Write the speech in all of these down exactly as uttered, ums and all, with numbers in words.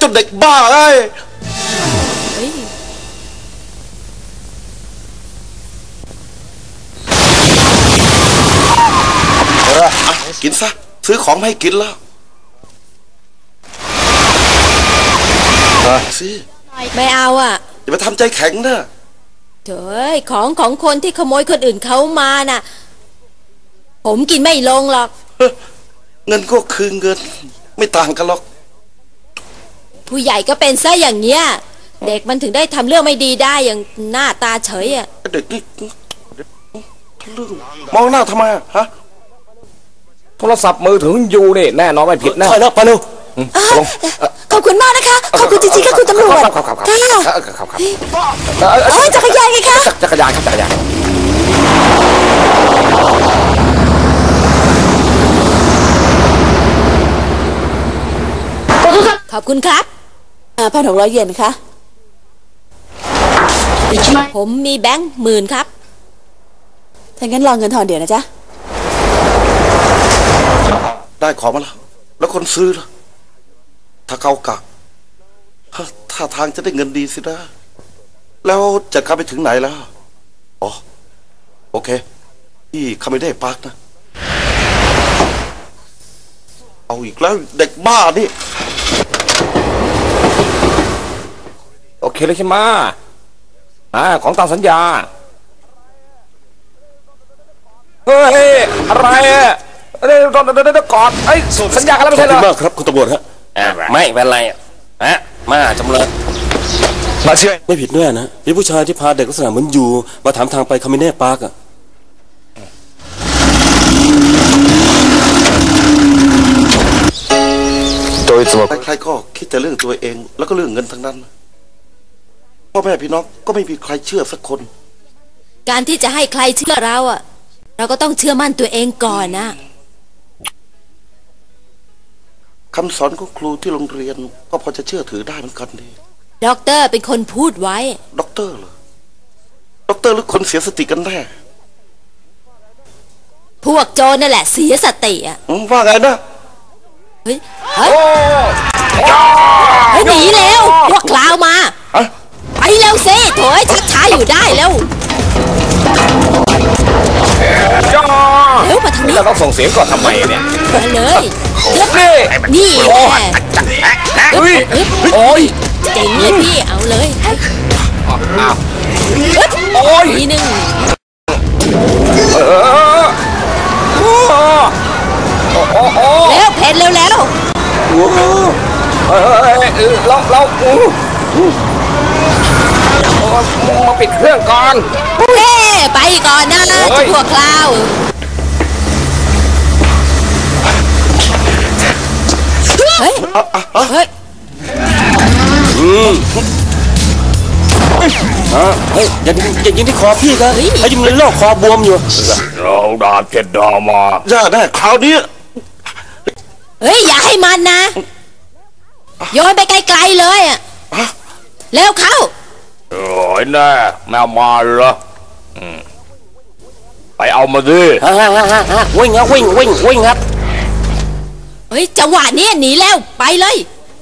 จนเด็กบ้าเอ้ยกินซะซื้อของมาให้กินแล้วสิไม่เอาอ่ะอย่าไปทำใจแข็งนะเฮ้ยของของคนที่ขโมยคนอื่นเขามาน่ะผมกินไม่ลงหรอกเงินก็คือเงินไม่ต่างกันหรอกผู้ใหญ่ก็เป็นซะอย่างเงี้ยเด็กมันถึงได้ทำเรื่องไม่ดีได้อย่างหน้าตาเฉยอ่ะเด็กนี่มองหน้าทำไมฮะโทรศัพท์มือถืออยู่นี่แน่นอนไม่ผิดแน่ใช่แล้วไปเร็วขอบคุณมากนะคะขอบคุณจริงๆค่ะคุณตำรวจครับครับครับครับครับอ๋อจักรยานไงคะจักรยานครับจักรยานขอบคุณครับพันหกร้อยเยนค่ะผมมีแบงค์หมื่นครับถ้างั้นรอเงินทอนเดี๋ยวนะจ๊ะได้ของมาแล้วแล้วคนซื้อล่ะถ้าเขากะถ้าทางจะได้เงินดีสินะแล้วจะเข้าไปถึงไหนแล้วอ๋อโอเคที่เขาไม่ได้ปากนะเอาอีกแล้วเด็กบ้านี่โอเคเลยใช่ไหมอ่าของตามสัญญาเฮ้ยอะไรอ่ะเดี๋ยวเดี๋ยวเดี๋ยวก่อนไอ้สัญญากันแล้วไม่ใช่เหรอขอบคุณมากครับคุณตำรวจฮะไม่เป็นไรฮะมาจำเลยมาเชื่อไม่ผิดแน่นะมีผู้ชายที่พาเด็กลักษณะเหมือนอยู่มาถามทางไปคามิเน่ปาร์กอะโดยส่วนใครๆก็คิดแต่เรื่องตัวเองแล้วก็เรื่องเงินทั้งนั้นพ่อแม่พี่น้องก็ไม่มีใครเชื่อสักคนการที่จะให้ใครเชื่อเราอะเราก็ต้องเชื่อมั่นตัวเองก่อนนะคำสอนของครูที่โรงเรียนก็พอจะเชื่อถือได้เหมือนกันดีด็อกเตอร์เป็นคนพูดไว้ด็อกเตอร์เหรอด็อกเตอร์หรือคนเสียสติกันแน่พวกโจรนั่นแหละเสียสติอ่ะว่าไงนะเฮ้ยเฮ้ยหนีแล้วพวกคลาวมาไปเร็วสิโถยชักช้าอยู่ได้แล้วเร็วมาทางนี้เราต้องส่งเสียงก่อนทำไมเนี่ยมาเลยนี่แหละโอ้ยเจ๋งเลยพี่เอาเลยอ้าวโอ้ยทีหนึ่งแล้วเพนเร็วแล้วเราเรามาปิดเครื่องก่อนเฮ้ไปก่อนนะพวกคลาวเฮ้ยเฮ้ยอืมเฮ้ยอย่าอย่ายิงที่คอพี่กันไอ้ยิงเลยโรคคอบวมอยู่เราดาบเจ็ดดามาย่าได้คราวนี้เฮ้ยอย่าให้มันนะโยนไปไกลๆเลยอ่ะเร็วเข้าโอ้ยแน่แมวมาเหรอไปเอามาดิฮ่าฮ่าฮ่าฮ่าวิ่งครับวิ่งวิ่งวิ่งครับเฮ้ยจังหวะนี้หนีแล้วไปเลย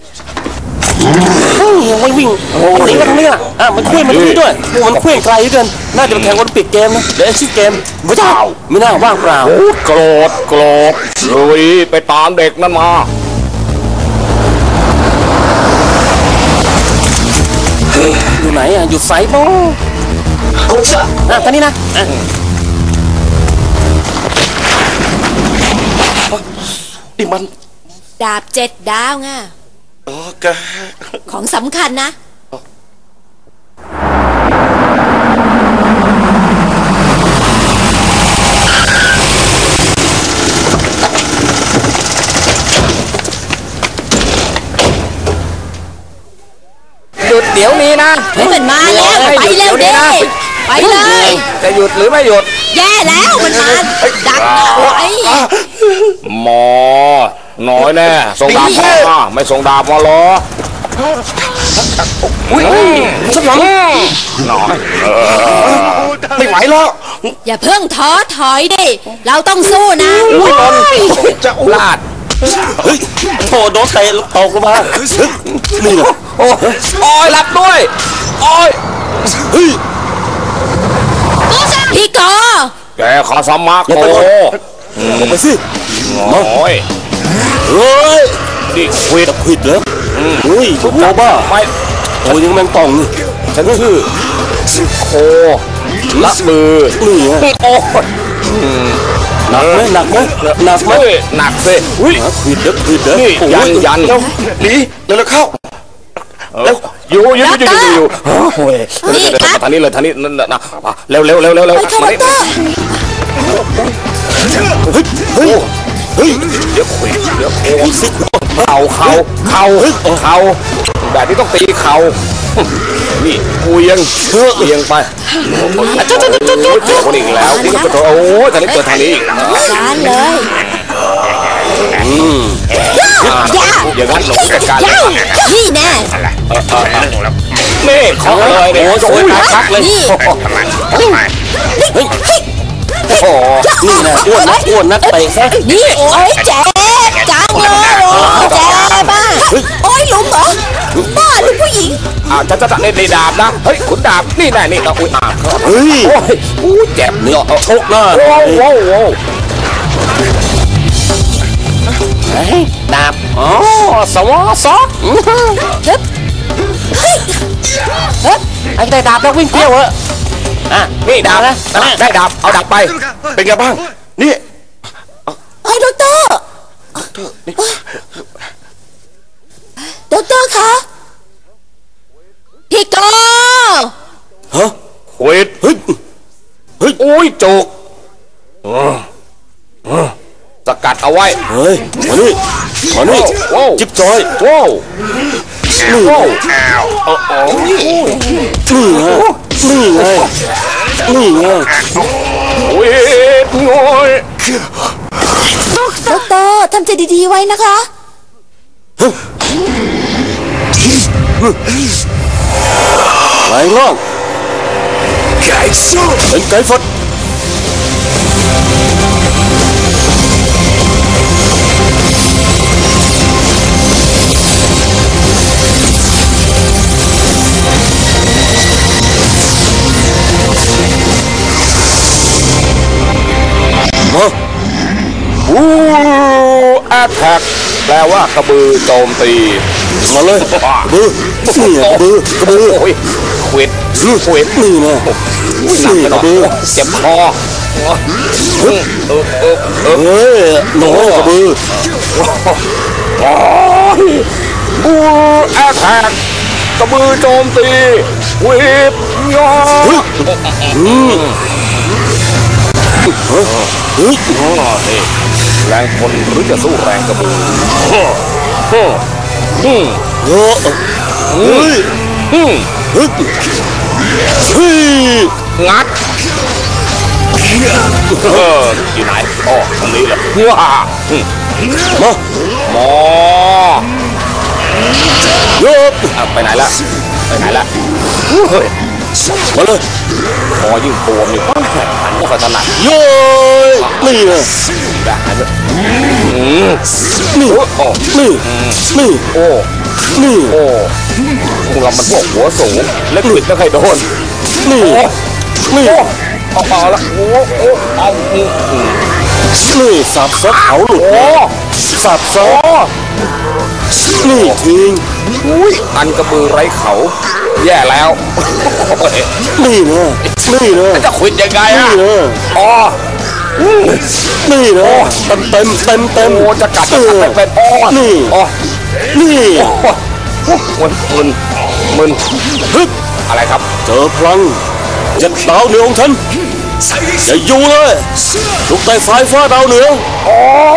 วิ่งวิ่งมันหนีมาตรงนี้อ่ะอ่ะมันเคลื่อนมาตรงนี้ด้วยมันเคลื่อนไกลเกินน่าจะเป็นแข่งวันปิดเกมนะเดี๋ยวชื่อเกมไม่เจ้าไม่น่าว่างเปล่าโกรธโกรธลุยไปตามเด็กนั่นมาอยู่ไหนอ่ะอยู่ไซส์บ้งอ่ะตอนนี้นะนี่มันดาบเจ็ดดาวไงโอเคของสำคัญนะหยุดเดี๋ยวนี้นะเฮ้ยมันมาแล้วไปเร็วดิไปเลยจะหยุดหรือไม่หยุดแย่แล้วมันมาดักเอาไว้หมอน้อยแน่ส่งดาบมาไม่ส่งดาบมาหรอสักหลังน้อยไม่ไหวแล้วอย่าเพิ่งท้อถอยดิเราต้องสู้นะจะลาดเฮ้ยโถโดนเตะตกลงมานี่นะโอ้โอ้ยหลับด้วยโอ้ยเฮ้ยพี่กอแกขอสมัครโอ้ลงไปสิโอ้ยเฮ้ยนี่ควิดควิดเหรอเฮ้ยโง่บ้าไม่โอ้ยยังแมงป่องนี่ฉันคือโคละมือนี่ไงโอ้หนักไหมหนักไหมหนักไหมหนักสิอุ้ยควิดเด้อควิดเด้อยันยันเร็วหนีเร็วเข้าเร็วอยู่อยู่อยู่อยู่อยู่โอ้ยทางนี้เลยทางนี้นั่นนะเร็วเร็วเร็วเร็วเร็วมาดิเฮ้ยเฮ้ยเฮ้ยเดี๋ยวคุยเดี๋ยวโอ้สิเข่าเข่าเข่าเข่าแบบนี้ต้องตีเข่านี่กูยังเชื่อเอียงไปจุ๊ดจุ๊ดจุ๊ดจุ๊ดเจอคนอีกแล้วนี่ก็เปิดโอ้ยทางนี้เปิดทางนี้อีกร้านเลยอืมอย่างนั้นหลงจัดการนี่แน่นี่เขาเลยเนี่ยโอ้ยคักเลยนี่เฮ้ยโอ้นี่นะอ้วนนักอ้วนนักเตะซะนี่โอ้ยเจ็บจังเลยโอ้เจ็บบ้าโอ้ยหลุมเหรอบ้าหลุมผู้หญิงอ่าจะจะเล่นในดาบนะเฮ้ยขุนดาบนี่แน่นี่เราอุ้ยอ่าเฮ้ยโอ้ยอู้เจ็บเนี่ยชกหน้าโอ้โหโอ้ดาบอ๋อสวอซอเฮ้ยเฮ้ยเฮ้ยไอ้ได้ดาบแล้ววิ่งเที่ยวเหรออ่ะนี่ดาบนะได้ดาบเอาดาบไปเป็นไงบ้างนี่ไอ้ด็อกเตอร์ด็อกเตอร์คะพี่กอฮะเวทเฮ้ยเฮ้ยโอ้ยโจกสกัดเอาไว้เฮ้ยมานี่มานี่จิ๊บจอยว้าวนี่ว้าวนี่ไงนี่ไงนี่ไงเวทงอยด็อกเตอร์ทำใจดีๆไว้นะคะไหลล่องเป็นไก่ฟดมาบูแอทแทกแปลว่ากระบือโจมตีมาเลยกระบือนี่กระบือกระบือโอ้ยขวิดขวิดนี่นะนี่กระบือเจ็บคอเออเออเออเฮ้ยหนูกระบือบูแอทแทกกระบือโจมตีวิบยอเฮ้ยเฮ้ยแรงคนหรือจะสู้แรงกระบือฮึฮึฮึเฮ้ยฮึฮึเฮ้ยงัดเอออยู่ไหนอ๋อตรงนี้แหละว้ามาหมอโยบไปไหนละไปไหนละเฮ้ยมาเลยพอยิ่งตัวมีความแข็งขันก็ถนัดโย่นี่เลยแบบนี้นี่โอ้นี่นี่โอ้นี่โอ้พวกเรามันพวกหัวสูงเล็กปิดไม่เคยโดนนี่นี่เอาเอาละโอ้โอ้เอานี่สับซะเขาหลุดโอ้สับซะนี่ทิ้งอุ้ยอันกระบือไร้เขาแย่แล้วนี่นะนี่นะจะคุยยังไงอ่ะนี่นะอ๋อนี่นะเต็มเต็มเต็มเต็มโอ้จะกัดจะกัดเป็นอ๋อนี่อ๋อนี่มึนมึนมึนฮึอะไรครับเจอพลังเจ็ดดาวเหนือของฉันอย่าอยู่เลยลูกไต่สายฟ้าดาวเหนืออ๋อ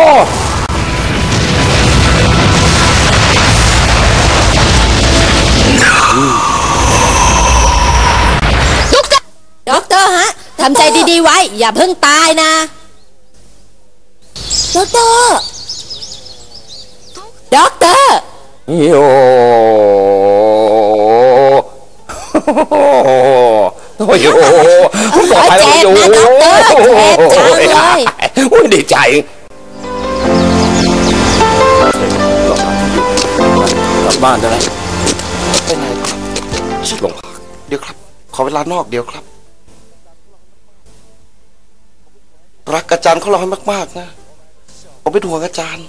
ด็อกเตอร์ฮะทำใจดีๆไว้อย่าเพิ่งตายนะด็อกเตอร์ด็อกเตอร์โยโอ้ยโอ้ปลอดภัยแล้วอยู่ด็อกเตอร์เจ็บจังเลยอุ้ยดีใจบ้านได้แล้วไปไหนครับลงพักเดี๋ยวครับ ขอเวลานอกเดี๋ยวครับ รักอาจารย์เขาเราให้มากๆนะผมเป็นห่วงอาจารย์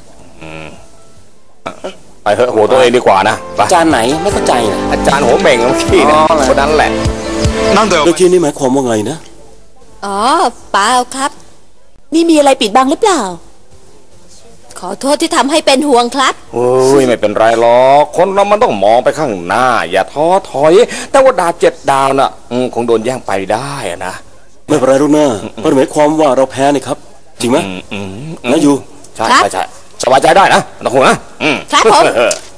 ไปเถอะหัวตัวเองดีกว่านะไปอาจารย์ไหนไม่เข้าใจนะอาจารย์หัวเหม่งเมื่อกี้นะคนนั้นแหละเมื่อกี้นี่หมายความว่าไงนะอ๋อเปล่าครับนี่มีอะไรปิดบังหรือเปล่าขอโทษที่ทำให้เป็นห่วงครับโอ้ยไม่เป็นไรหรอกคนเรามันต้องมองไปข้างหน้า อย่าท้อถอย แต่ว่าดาวเจ็ดดาวน่ะอืมคงโดนแย่งไปได้อะนะไม่เป็นไรลูกหน้ามันหมายความว่าเราแพ้นี่ครับ จริงไหมอืมอืมนะอยู่ใช่ครับใช่ใช่สบายใจได้นะนะคุณนะอืมครับผมเออ